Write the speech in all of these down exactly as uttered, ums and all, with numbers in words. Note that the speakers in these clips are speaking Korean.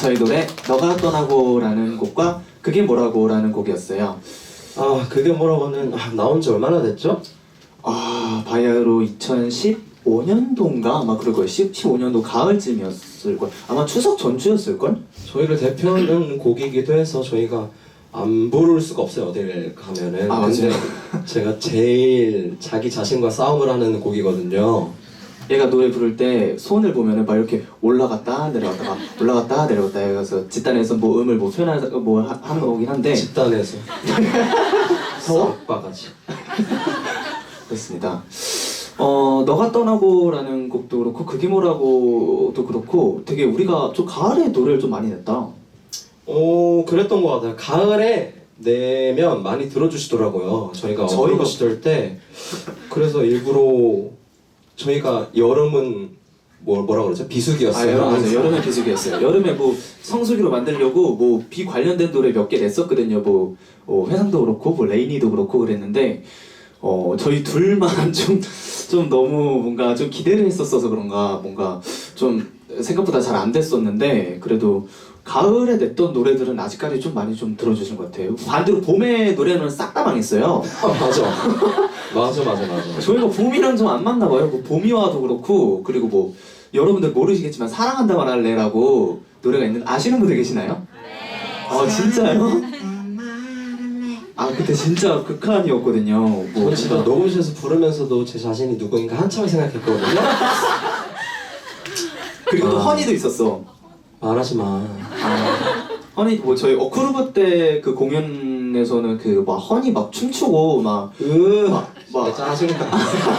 저희 노래 너가 떠나고라는 곡과 그게 뭐라고라는 곡이었어요. 아 그게 뭐라고는 아, 나온 지 얼마나 됐죠? 아 바야흐로 이천십오 년도인가 아마 그럴 거예요. 십오 년도 가을쯤이었을 걸. 아마 추석 전주였을 걸. 저희를 대표하는 곡이기도 해서 저희가 안 부를 수가 없어요 어딜 가면은. 아, 근데 맞아요. 제가 제일 자기 자신과 싸움을 하는 곡이거든요. 얘가 노래 부를 때 손을 보면은 막 이렇게 올라갔다 내려갔다가 올라갔다 내려갔다 해서 집단에서 뭐 음을 뭐 표현하는 뭐 하- 하는 거긴 한데 집단에서 더워? 싹바가지. 그렇습니다. 어 너가 떠나고라는 곡도 그렇고 그게 뭐라고도 그렇고 되게 우리가 좀 가을에 노래를 좀 많이 냈다. 오 그랬던 것 같아요. 가을에 내면 많이 들어주시더라고요. 저희가 저희가- 어그로 시절 때. 그래서 일부러 저희가 여름은 뭐 뭐라 그러죠? 아 비수기였어요. 여름 맞아요. 여름에 비수기였어요. 여름에 뭐 성수기로 만들려고 뭐 비 관련된 노래 몇 개 냈었거든요. 뭐 어, 회상도 그렇고 뭐 레이니도 그렇고 그랬는데 어 저희 둘만 좀 좀 너무 뭔가 좀 기대를 했었어서 그런가 뭔가 좀 생각보다 잘 안 됐었는데 그래도 가을에 냈던 노래들은 아직까지 좀 많이 좀 들어주신 것 같아요. 반대로 봄의 노래는 싹 다 망했어요. 아, 맞아. 맞아 맞아 맞아. 저희가 봄이랑 좀 안 맞나 봐요. 뭐 봄이와도 그렇고 그리고 뭐 여러분들 모르시겠지만 사랑한다 말할래라고 노래가 있는 아시는 분들 계시나요? 네. 아 진짜요? 아 그때 진짜 극한이었거든요. 뭐 저 진짜 녹음실에서 부르면서도 제 자신이 누구인가 한참을 생각했거든요. 그리고 또 아. 허니도 있었어. 말하지 마. 아, 허니 뭐 저희 어크루브 때 그 공연에서는 그 막 허니 막 춤추고 막 으, 막, 막 진짜 짜증나.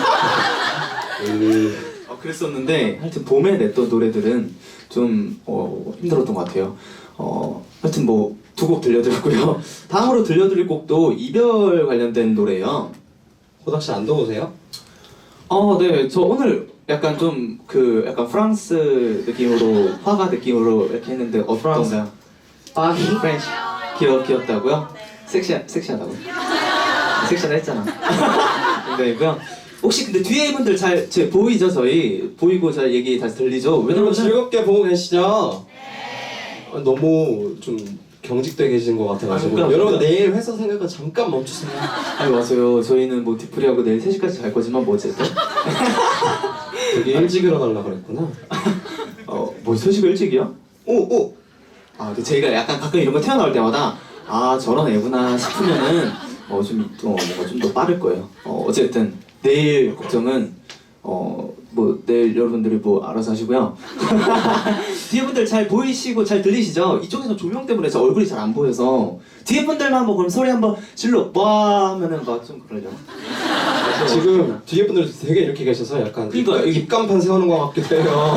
으, 어, 그랬었는데 하여튼 봄에 냈던 노래들은 좀 어, 힘들었던 것 같아요. 어, 하여튼 뭐 두 곡 들려드렸고요. 다음으로 들려드릴 곡도 이별 관련된 노래예요. 호닥 씨 안 더우세요? 어, 네, 저 오늘 약간 좀 그 약간 프랑스 느낌으로 화가 느낌으로 이렇게 했는데 어떤가요? 파리? 프렌치 귀여 귀엽다고요? 섹시 섹시하다고? 섹시하다 했잖아. 네고요. 혹시 근데 뒤에 분들 잘 제 보이죠 저희 보이고 잘 얘기 다시 들리죠? 여러분 왜냐면 즐겁게 보고 계시죠? 네. 너무 좀 경직돼 계신 것 같아가지고 아, 그러니까, 여러분 그러니까. 내일 회사 생각은 잠깐 멈추세요. 아니 맞아요. 저희는 뭐 뒤풀이하고 내일 세 시까지 잘 거지만 뭐 어쨌든 되게 일찍 일어나려 그랬구나. 어뭐 세 시가 일찍이야? 오 오. 아 근데 저희가 약간 가끔 이런 거 튀어나올 때마다 아 저런 애구나 싶으면은 어좀또 뭔가 좀 더 빠를 거예요. 어 어쨌든 내일 걱정은 어 뭐 내일 여러분들이 뭐 알아서 하시고요. 뒤에 분들 잘 보이시고 잘 들리시죠? 이쪽에서 조명 때문에 저 얼굴이 잘 안 보여서 뒤에 분들만 뭐 그럼 소리 한번 질러 와 하면은 막 좀 그러죠. 지금 뒤에 분들 되게 이렇게 계셔서 약간 그러니까 입, 입간판 세우는 것 같기도 해요.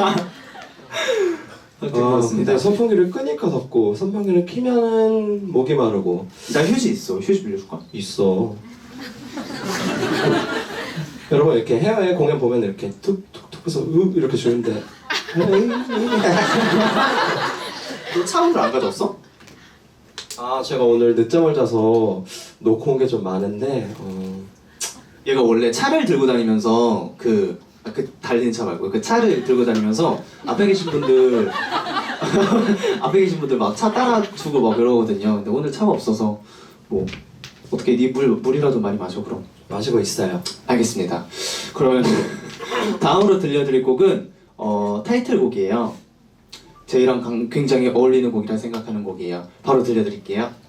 하여튼 아, 그렇습니다. 근데 선풍기를 끄니까 덥고 선풍기를 키면은 목이 마르고. 나 휴지 있어. 휴지 빌려줄까? 있어. 여러분 이렇게 해외 공연 보면 이렇게 툭툭툭 해서 으 이렇게 주는데 너 차원을 안 가져왔어? 아 제가 오늘 늦잠을 자서 놓고 온 게 좀 많은데 어... 얘가 원래 차를 들고 다니면서 그, 아, 그 달리는 차 말고 그 차를 들고 다니면서 앞에 계신 분들 앞에 계신 분들 막 차 따라주고 막 그러거든요. 근데 오늘 차가 없어서 뭐 어떻게 네 물 물이라도 많이 마셔 그럼. 마시고 있어요. 알겠습니다. 그러면 다음으로 들려드릴 곡은 어, 타이틀곡이에요. 저희랑 강- 굉장히 어울리는 곡이라 생각하는 곡이에요. 바로 들려드릴게요.